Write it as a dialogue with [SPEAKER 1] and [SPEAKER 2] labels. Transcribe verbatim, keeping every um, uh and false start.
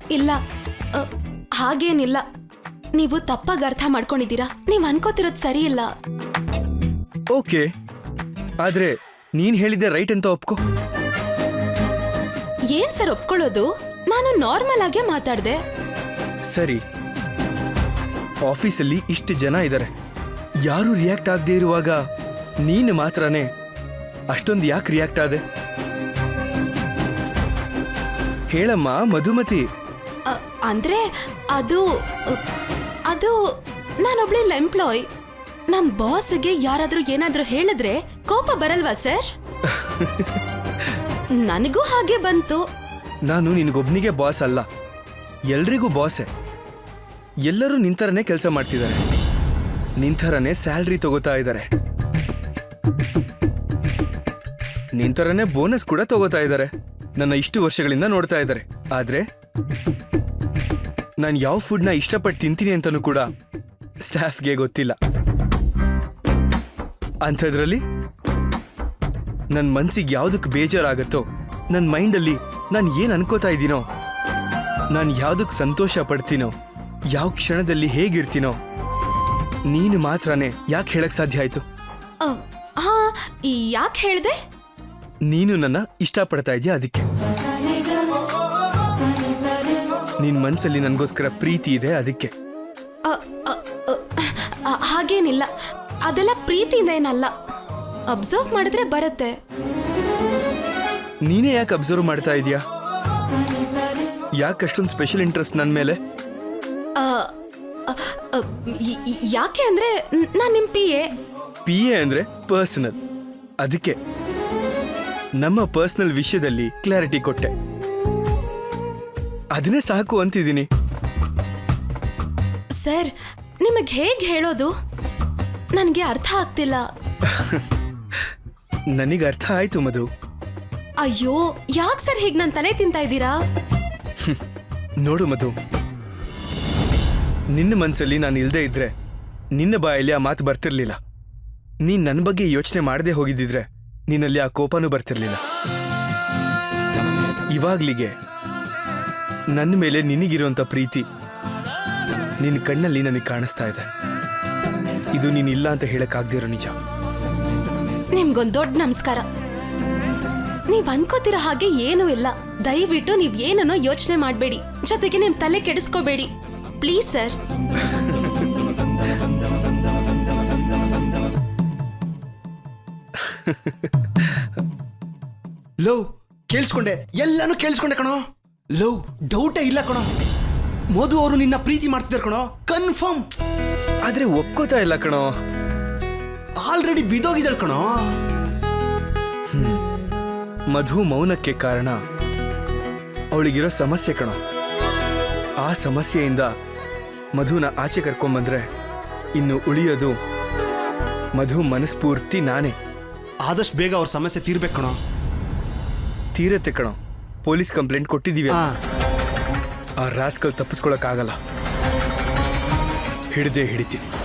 [SPEAKER 1] ಇಲ್ಲ, ಅ, ಹಾಗೇನಿಲ್ಲ. ನೀವು ತಪ್ಪಾಗಿ ಅರ್ಥ ಮಾಡ್ಕೊಂಡಿದ್ದೀರಾ. ನೀವು ಅನ್ಕೋತಿರೋದು ಸರಿ ಇಲ್ಲ.
[SPEAKER 2] ಓಕೆ, ಆದ್ರೆ ನೀನ್ ಹೇಳಿದ್ದೆ ರೈಟ್ ಅಂತ ಒಪ್ಕೋ.
[SPEAKER 1] ಏನ್ ಸರ್ ಒಪ್ಕೊಳ್ಳೋದು? ನಾನು ನಾರ್ಮಲ್ ಆಗೇ ಮಾತಾಡ್ದೆ.
[SPEAKER 2] ಸರಿ, ಆಫೀಸಲ್ಲಿ ಇಷ್ಟು ಜನ ಇದ್ದಾರೆ, ಯಾರು ರಿಯಾಕ್ಟ್ ಆಗದೆ ಇರುವಾಗ ನೀನು ಮಾತ್ರನೇ ಅಷ್ಟೊಂದು ಯಾಕೆ ರಿಯಾಕ್ಟ್ ಆದೆ? ಹೇಳಮ್ಮ ಮಧುಮತಿ.
[SPEAKER 1] ಅ, ಅಂದ್ರೆ ಅದು ಅದು ನಾನೊಬ್ಳೆ ಎಂಪ್ಲಾಯ್. ನಮ್ ಬಾಸ್ಗೆ ಯಾರಾದ್ರೂ ಏನಾದ್ರೂ ಹೇಳಿದ್ರೆ ಕೋಪ ಬರಲ್ವಾ ಸರ್? ನನಗೂ ಹಾಗೆ ಬಂತು.
[SPEAKER 2] ನಾನು ನಿನಗೊಬ್ನಿಗೆ ಬಾಸ್ ಅಲ್ಲ, ಎಲ್ರಿಗೂ ಬಾಸೆ. ಎಲ್ಲರೂ ನಿಂತರನೇ ಕೆಲಸ ಮಾಡ್ತಿದ್ದಾರೆ, ನಿಂತರನೇ ಸ್ಯಾಲ್ರಿ ತಗೋತಾ ಇದ್ದಾರೆ, ನಿಂತರನೇ ಬೋನಸ್ ಕೂಡ ತಗೋತಾ ಇದ್ದಾರೆ. ನನ್ನ ಇಷ್ಟು ವರ್ಷಗಳಿಂದ ನೋಡ್ತಾ ಇದ್ದಾರೆ. ಆದ್ರೆ ನಾನು ಯಾವ ಫುಡ್ನ ಇಷ್ಟಪಟ್ಟು ತಿಂತೀನಿ ಅಂತನೂ ಕೂಡ ಸ್ಟಾಫ್ಗೆ ಗೊತ್ತಿಲ್ಲ. ಅಂಥದ್ರಲ್ಲಿ ನನ್ನ ಮನ್ಸಿಗೆ ಯಾವುದಕ್ಕೆ ಬೇಜಾರಾಗತ್ತೋ, ನನ್ನ ಮೈಂಡಲ್ಲಿ ನಾನು ಏನು ಅನ್ಕೋತಾ ಇದ್ದೀನೋ, ನಾನು ಯಾವುದಕ್ಕೆ ಸಂತೋಷ ಪಡ್ತೀನೋ, ಯಾವ ಕ್ಷಣದಲ್ಲಿ ಹೇಗಿರ್ತೀನೋ, ನೀನು ಮಾತ್ರನೇ ಯಾಕೆ ಹೇಳಕ್ ಸಾಧ್ಯ ಆಯ್ತು?
[SPEAKER 1] ಅ, ಹಾ, ಯಾಕೆ ಹೇಳ್ದೆ?
[SPEAKER 2] ನೀನು ನನ್ನ ಇಷ್ಟಪಡ್ತಾ ಇದೆಯಾ, ಅದಕ್ಕೆ. ನಿನ್ ಮನ್ಸಲ್ಲಿ ನನಗೋಸ್ಕರ ಪ್ರೀತಿ ಇದೆ, ಅದಕ್ಕೆ.
[SPEAKER 1] ಅ, ಅ, ಅ, ಅ, ಹಾಗೇನಿಲ್ಲ, ಅದೆಲ್ಲ ಪ್ರೀತಿಯಿಂದ ಏನಲ್ಲ. ಅಬ್ಸರ್ವ್ ಮಾಡಿದ್ರೆ ಬರುತ್ತೆ.
[SPEAKER 2] ನೀನೇ ಯಾಕೆ ಅಬ್ಸರ್ವ್ ಮಾಡ್ತಾ ಇದೀಯಾ? ಯಾಕೆ ಅಷ್ಟೊಂದು ಸ್ಪೆಷಲ್ ಇಂಟ್ರೆಸ್ಟ್ ನನ್ನ ಮೇಲೆ?
[SPEAKER 1] ಅ, ಅ, ಅ, ಯ- ಯ- ಯಾಕೆ ಅಂದ್ರೆ ನಾನು ನಿಮ್ ಪಿ ಎ.
[SPEAKER 2] ಪಿ ಎ ಅಂದ್ರೆ ಪರ್ಸನಲ್, ಅದಕ್ಕೆ ನಮ್ಮ ಪರ್ಸನಲ್ ವಿಷಯದಲ್ಲಿ ಕ್ಲಾರಿಟಿ ಕೊಟ್ಟೆ. ಅದನ್ನೇ ಸಾಕು ಅಂತಿದ್ದೀನಿ.
[SPEAKER 1] ಸರ್, ನಿಮಗೆ ಹೇಗೆ ಹೇಳೋದು ನನಗೆ ಅರ್ಥ ಆಗ್ತಿಲ್ಲ.
[SPEAKER 2] ನನಗೆ ಅರ್ಥ ಆಯ್ತು ಮಧು.
[SPEAKER 1] ಅಯ್ಯೋ, ಯಾಕೆ ಸರ್ ಹೀಗೆ ನನ್ನ ತಲೆ ತಿಂತಾ ಇದ್ದೀರಾ?
[SPEAKER 2] ನೋಡು ಮಧು, ನಿನ್ನ ಮನಸ್ಸಲ್ಲಿ ನಾನು ಇಲ್ಲದೆ ಇದ್ರೆ ನಿನ್ನ ಬಾಯಲ್ಲಿ ಆ ಮಾತು ಬರ್ತಿರ್ಲಿಲ್ಲ. ನೀನ್ ನನ್ನ ಬಗ್ಗೆ ಯೋಚನೆ ಮಾಡದೆ ಹೋಗಿದ್ದಿದ್ರೆ ನಿನ್ನಲ್ಲಿ ಆ ಕೋಪನೂ ಬರ್ತಿರ್ಲಿಲ್ಲ. ಇವಾಗ್ಲಿಗೆ ನನ್ನ ಮೇಲೆ ನಿನಗಿರುವಂತ ಪ್ರೀತಿ ನಿನ್ನ ಕಣ್ಣಲ್ಲಿ ನನಗೆ ಕಾಣಿಸ್ತಾ ಇದೆ. ಇದು ನೀನಿಲ್ಲ ಅಂತ ಹೇಳಕ್ಕಾಗ್ದಿರೋ ನಿಜ.
[SPEAKER 1] ನಿಮ್ಗೊಂದು ದೊಡ್ಡ ನಮಸ್ಕಾರ. ನೀವ್ ಅನ್ಕೋತಿರೋ ಹಾಗೆ ಏನೂ ಇಲ್ಲ. ದಯವಿಟ್ಟು ನೀವ್ ಏನನ್ನೋ ಯೋಚನೆ ಮಾಡಬೇಡಿ, ಜೊತೆಗೆ ನಿಮ್ ತಲೆ ಕೆಡಿಸ್ಕೋಬೇಡಿ ಪ್ಲೀಸ್ ಸರ್.
[SPEAKER 3] ಲವ್ ಕೇಳಿಸ್ಕೊಂಡೆ, ಎಲ್ಲಾನು ಕೇಳಿಸ್ಕೊಂಡೆ ಕಣೋ. ಲವ್ ಡೌಟೇ ಇಲ್ಲ ಕಣೋ. ಮಧು ಅವರು ನಿನ್ನ ಪ್ರೀತಿ ಮಾಡ್ತಿದ್ದಾರೆ ಕಣೋ, ಕನ್ಫರ್ಮ್.
[SPEAKER 2] ಆದ್ರೆ ಒಪ್ಕೋತಾ ಇಲ್ಲ ಕಣೋ.
[SPEAKER 3] ಆಲ್ರೆಡಿ ಬಿದೋಗಿದ್ದಾಳೆ ಕಣೋ.
[SPEAKER 2] ಮಧು ಮೌನಕ್ಕೆ ಕಾರಣ ಅವಳಿಗಿರೋ ಸಮಸ್ಯೆ ಕಣೋ. ಆ ಸಮಸ್ಯೆಯಿಂದ ಮಧುನ ಆಚೆ ಕರ್ಕೊಂಬಂದ್ರೆ ಇನ್ನು ಉಳಿಯೋದು ಮಧು ಮನಸ್ಫೂರ್ತಿ ನಾನೇ.
[SPEAKER 3] ಆದಷ್ಟು ಬೇಗ ಅವ್ರ ಸಮಸ್ಯೆ ತೀರ್ಬೇಕು ಕಣೋ.
[SPEAKER 2] ತೀರತ್ತೆ ಕಣೋ. ಪೊಲೀಸ್ ಕಂಪ್ಲೇಂಟ್ ಕೊಟ್ಟಿದ್ದೀವಿ.
[SPEAKER 3] ಹಾ.
[SPEAKER 2] ಆ ರಾಸ್ಕಲ್ ತಪ್ಪಿಸ್ಕೊಳಕ್ಕಾಗಲ್ಲ, ಹಿಡ್ದೇ ಹಿಡಿತೀನಿ.